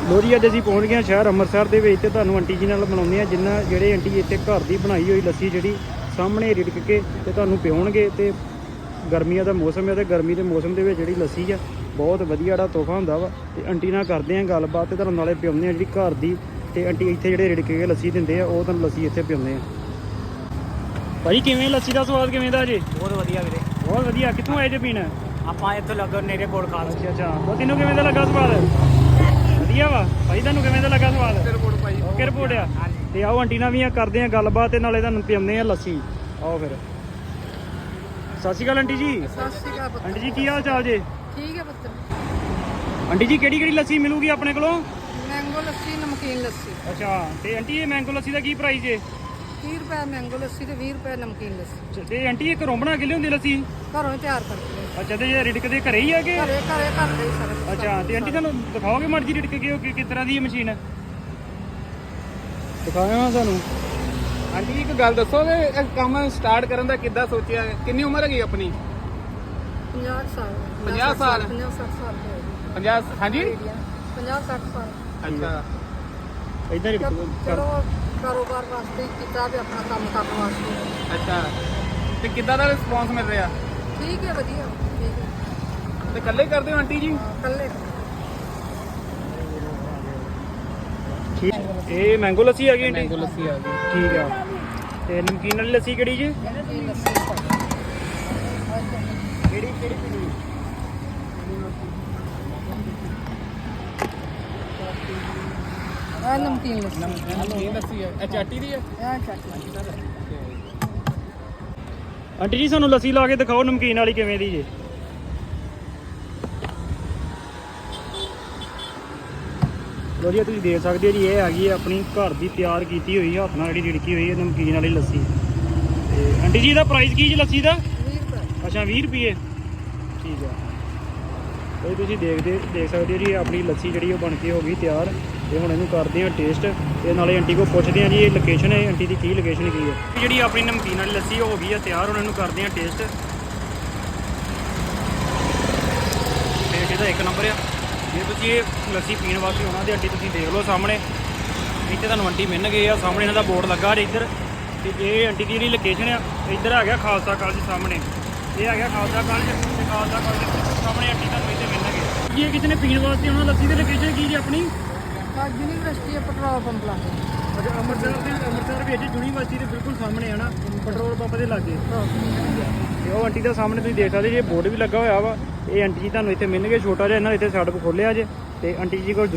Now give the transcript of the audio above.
ਲੋ ਜੀ ਅੱਜ ਅਸੀਂ ਪਹੁੰਚ ਗਏ ਸ਼ਹਿਰ ਅੰਮ੍ਰਿਤਸਰ ਦੇ ਵਿੱਚ ਤੇ ਤੁਹਾਨੂੰ ਆਂਟੀ ਜੀ ਨਾਲ ਮਿਲਾਉਂਦੇ ਆ ਜਿਨ੍ਹਾਂ ਜਿਹੜੇ ਆਂਟੀ ਇੱਥੇ ਘਰ ਦੀ ਬਣਾਈ ਹੋਈ ਲੱਸੀ ਜਿਹੜੀ ਸਾਹਮਣੇ ਰਿੜਕ ਕੇ ਤੇ ਤੁਹਾਨੂੰ ਪਿਉਣਗੇ। ਤੇ ਗਰਮੀਆਂ ਦਾ ਮੌਸਮ ਹੈ ਤੇ ਗਰਮੀ ਦੇ ਮੌਸਮ ਦੇ ਵਿੱਚ ਜਿਹੜੀ ਲੱਸੀ ਆ ਬਹੁਤ ਵਧੀਆ ਜਿਹੜਾ ਤੋਹਫਾ ਹੁੰਦਾ ਵਾ। ਤੇ ਆਂਟੀ ਨਾਲ ਕਰਦੇ ਆ ਗੱਲਬਾਤ ਤੇ ਤੁਹਾਨੂੰ ਨਾਲੇ ਪਿਉਂਦੇ ਆ ਜਿਹੜੀ ਘਰ ਦੀ। ਤੇ ਆਂਟੀ ਇੱਥੇ ਜਿਹੜੇ ਰਿੜਕ ਕੇ ਲੱਸੀ ਦਿੰਦੇ ਆ ਉਹ ਤੁਹਾਨੂੰ ਲੱਸੀ ਇੱਥੇ ਪਿਉਂਦੇ ਆ। ਭਾਈ ਕਿਵੇਂ ਲੱਸੀ ਦਾ ਸਵਾਦ ਕਿਵੇਂ ਦਾ ਜੀ? ਬਹੁਤ ਵਧੀਆ ਵੀਰੇ, ਬਹੁਤ ਵਧੀਆ। ਕਿੱਥੋਂ ਆਏ ਜੇ ਪੀਣ? ਆਪਾਂ ਇੱਥੋਂ ਲੱਗੋ ਨੇੜੇ ਕੋਲ ਖਾਸ। ਅੱਛਾ ਉਹ ਤੈਨੂੰ ਕਿਵੇਂ ਦਾ ਲੱਗਾ ਸਵਾਦ? ਵਧੀਆ ਵਾ ਭਾਈ। ਤੁਹਾਨੂੰ ਕਿਵੇਂ ਦਾ ਲੱਗਾ ਸਵਾਦ? ਓਕੇ ਰਿਪੋਰਟ ਆ। ਤੇ ਆਓ ਆਂਟੀ ਨਾਲ ਵੀ ਕਰਦੇ ਆ ਗੱਲਬਾਤ ਤੇ ਨਾਲੇ ਤੁਹਾਨੂੰ ਪਿਆਉਂਦੇ ਆ ਲੱਸੀ। ਆਓ ਫਿਰ। ਸਤਿ ਸ਼੍ਰੀ ਅਕਾਲ ਆਂਟੀ ਜੀ। ਸਤਿ ਸ਼੍ਰੀ ਅਕਾਲ ਪੁੱਤ। ਆਂਟੀ ਜੀ ਕੀ ਹਾਲ ਚਾਲ ਜੇ? ਠੀਕ ਹੈ ਪੁੱਤ। ਆਂਟੀ ਜੀ ਕਿਹੜੀ ਕਿਹੜੀ ਲੱਸੀ ਮਿਲੂਗੀ ਆਪਣੇ ਕੋਲੋਂ? ਮੈਂਗੋ ਲੱਸੀ, ਨਮਕੀਨ ਲੱਸੀ। ਅੱਛਾ ਤੇ ਆਂਟੀ ਇਹ ਮੈਂਗੋ ਲੱਸੀ ਦਾ ਕੀ ਪ੍ਰਾਈਸ ਜੇ? 30 ਰੁਪਏ ਮੈਂਗੋ ਲੱਸੀ ਤੇ 20 ਰੁਪਏ ਨਮਕੀਨ ਲੱਸੀ। ਤੇ ਆਂਟੀ ਇਹ ਘਰੋਂ ਬਣਾ ਕੇ ਲਿਆਉਂਦੀ ਲੱਸੀ? ਘਰੋਂ ਹੀ ਤਿਆਰ ਕਰਦੇ ਆ। ਅੱਛਾ ਤੇ ਇਹ ਰਿੜਕ ਦੇ ਘਰੇ ਹੀ ਆ ਕੇ? ਘਰੇ ਘਰੇ ਕਰਦੇ ਹੀ ਸਾਰੇ। ਅੱਛਾ ਤੇ ਆਂਟੀ ਤੁਹਾਨੂੰ ਦਿਖਾਓਗੇ ਮਰਜੀ ਰਿੜਕ ਕੇ ਉਹ ਕਿਸ ਤਰ੍ਹਾਂ ਦੀ ਹੈ ਮਸ਼ੀਨ? ਦਿਖਾਇਆ ਸਾਨੂੰ। ਹਾਂਜੀ ਇੱਕ ਗੱਲ ਦੱਸੋਗੇ ਇਹ ਕੰਮ ਸਟਾਰਟ ਕਰਨ ਦਾ ਕਿੱਦਾਂ ਸੋਚਿਆ? ਕਿੰਨੀ ਉਮਰ ਹੈਗੀ ਆਪਣੀ? 50 ਸਾਲ। 50 ਸਾਲ? 50 60 ਸਾਲ ਦੇ 50 ਹਾਂਜੀ 50 60 ਸਾਲ। ਅੱਛਾ ਇਦਾਂ ਹੀ ਚਲੋ ਕਾਰੋਬਾਰ ਵਾਸਤੇ ਕੀਤਾ ਵੀ ਆਪਣਾ ਕੰਮ ਕਰਨ ਵਾਸਤੇ। ਅੱਛਾ ਤੇ ਕਿੱਦਾਂ ਦਾ ਰਿਸਪੌਂਸ ਮਿਲ ਰਿਹਾ? ਠੀਕ ਹੈ ਵਧੀਆ। ਠੀਕ ਹੈ ਤੇ ਇਕੱਲੇ ਕਰਦੇ ਹੋ ਆਂਟੀ ਜੀ? ਕੱਲੇ। ਠੀਕ। ਇਹ ਮੈਂਗੋ ਲੱਸੀ ਆ ਗਈ ਆਂਟੀ? ਮੈਂਗੋ ਲੱਸੀ ਆ ਗਈ। ਠੀਕ ਆ। ਤੇ ਨਮਕੀਨ ਵਾਲੀ ਲੱਸੀ ਕਿਹੜੀ ਜੀ? ਨਮਕੀਨ ਲੱਸੀ ਕਿਹੜੀ ਕਿਹੜੀ ਪੀਣੀ? ਆ ਨਮਕੀਨ ਲੱਸੀ। ਨਮਕੀਨ ਲੱਸੀ ਹੈ। ਇਹ ਚਾਟੀ ਦੀ ਹੈ? ਆ ਚਾਟੀ। ਆਂਟੀ ਜੀ ਸਾਨੂੰ ਲੱਸੀ ਲਾ ਕੇ ਦਿਖਾਓ ਨਮਕੀਨ ਵਾਲੀ ਕਿਵੇਂ ਦੀ ਜੇ? ਲੋ ਜੀ ਤੁਸੀਂ ਦੇਖ ਸਕਦੇ ਹੋ ਜੀ ਇਹ ਹੈਗੀ ਹੈ ਆਪਣੀ ਘਰ ਦੀ ਤਿਆਰ ਕੀਤੀ ਹੋਈ ਹੱਥ ਨਾਲ ਜਿਹੜੀ ਰਿੜਕੀ ਹੋਈ ਹੈ ਨਮਕੀਨ ਵਾਲੀ ਲੱਸੀ। ਤੇ ਆਂਟੀ ਜੀ ਇਹਦਾ ਪ੍ਰਾਈਸ ਕੀ ਜੀ ਲੱਸੀ ਦਾ? 20 ਰੁਪਏ। ਅੱਛਾ 20 ਰੁਪਏ। ਠੀਕ ਆ। ਇਹ ਤੁਸੀਂ ਦੇਖ ਸਕਦੇ ਹੋ ਜੀ ਆਪਣੀ ਲੱਸੀ ਜਿਹੜੀ ਉਹ ਬਣ ਕੇ ਹੋ ਗਈ ਤਿਆਰ। ਤੇ ਹੁਣ ਇਹਨੂੰ ਕਰਦੇ ਆ ਟੇਸਟ ਤੇ ਨਾਲੇ ਆਂਟੀ ਕੋਲ ਪੁੱਛਦੇ ਆ ਜੀ ਇਹ ਲੋਕੇਸ਼ਨ ਹੈ ਆਂਟੀ ਦੀ ਕੀ ਲੋਕੇਸ਼ਨ ਕੀ ਹੈ। ਜਿਹੜੀ ਆਪਣੀ ਨਮਕੀਨ ਵਾਲੀ ਲੱਸੀ ਹੋ ਗਈ ਆ ਤਿਆਰ। ਹੁਣ ਇਹਨੂੰ ਕਰਦੇ ਆ ਟੇਸਟ। ਟੇਸਟ ਇਹਦਾ ਇੱਕ ਨੰਬਰ ਆ। ਜੇ ਤੁਸੀਂ ਇਹ ਲੱਸੀ ਪੀਣ ਵਾਸਤੇ ਆਉਣਾ ਤੇ ਆਂਟੀ ਤੁਸੀਂ ਦੇਖ ਲਓ ਸਾਹਮਣੇ ਇੱਥੇ ਤੁਹਾਨੂੰ ਆਂਟੀ ਮਿਲਣਗੇ ਆ ਸਾਹਮਣੇ ਇਹਨਾਂ ਦਾ ਬੋਰਡ ਲੱਗਾ ਜੇ ਇੱਧਰ। ਤੇ ਇਹ ਆਂਟੀ ਦੀ ਜਿਹੜੀ ਲੋਕੇਸ਼ਨ ਆ ਇੱਧਰ ਆ ਗਿਆ ਖਾਲਸਾ ਕਾਲਜ ਸਾਹਮਣੇ। ਇਹ ਆ ਗਿਆ ਖਾਲਸਾ ਕਾਲਜ ਤੇ ਖਾਲਸਾ ਕਾਲਜ ਸਾਹਮਣੇ ਆਂਟੀ ਤੁਹਾਨੂੰ ਇੱਥੇ ਮਿਲਣਗੇ। ਜੇ ਕਿਸੇ ਨੇ ਪੀਣ ਵਾਸਤੇ ਆਉਣਾ ਲੱਸੀ ਦੀ ਲੋਕੇਸ਼ਨ ਕੀ ਜੀ ਆਪਣੀ? ਯੂਨੀਵਰਸਿਟੀ ਹੈ ਪੈਟਰੋਲ ਪੰਪ ਲਾਗੇ। ਅੱਛਾ ਅੰਮ੍ਰਿਤਸਰ ਵਿੱਚ ਯੂਨੀਵਰਸਿਟੀ ਦੇ ਬਿਲਕੁਲ ਸਾਹਮਣੇ ਆ ਨਾ ਪੈਟਰੋਲ ਪੰਪ ਦੇ ਲਾਗੇ। ਤੇ ਉਹ ਆਂਟੀ ਦਾ ਸਾਹਮਣੇ ਤੁਸੀਂ ਦੇਖ ਸਕਦੇ ਜੇ ਬੋਰਡ ਵੀ ਲੱਗਾ ਹੋਇਆ ਵਾ। ਇਹ ਆਂਟੀ ਜੀ ਤੁਹਾਨੂੰ ਇੱਥੇ ਮਿਲਣਗੇ। ਛੋਟਾ ਜਿਹਾ ਇਹਨਾਂ ਨੇ ਇੱਥੇ ਸੜਕ ਖੋਲ੍ਹਿਆ ਜੇ। ਤੇ ਆਂਟੀ ਜੀ ਕੋਲ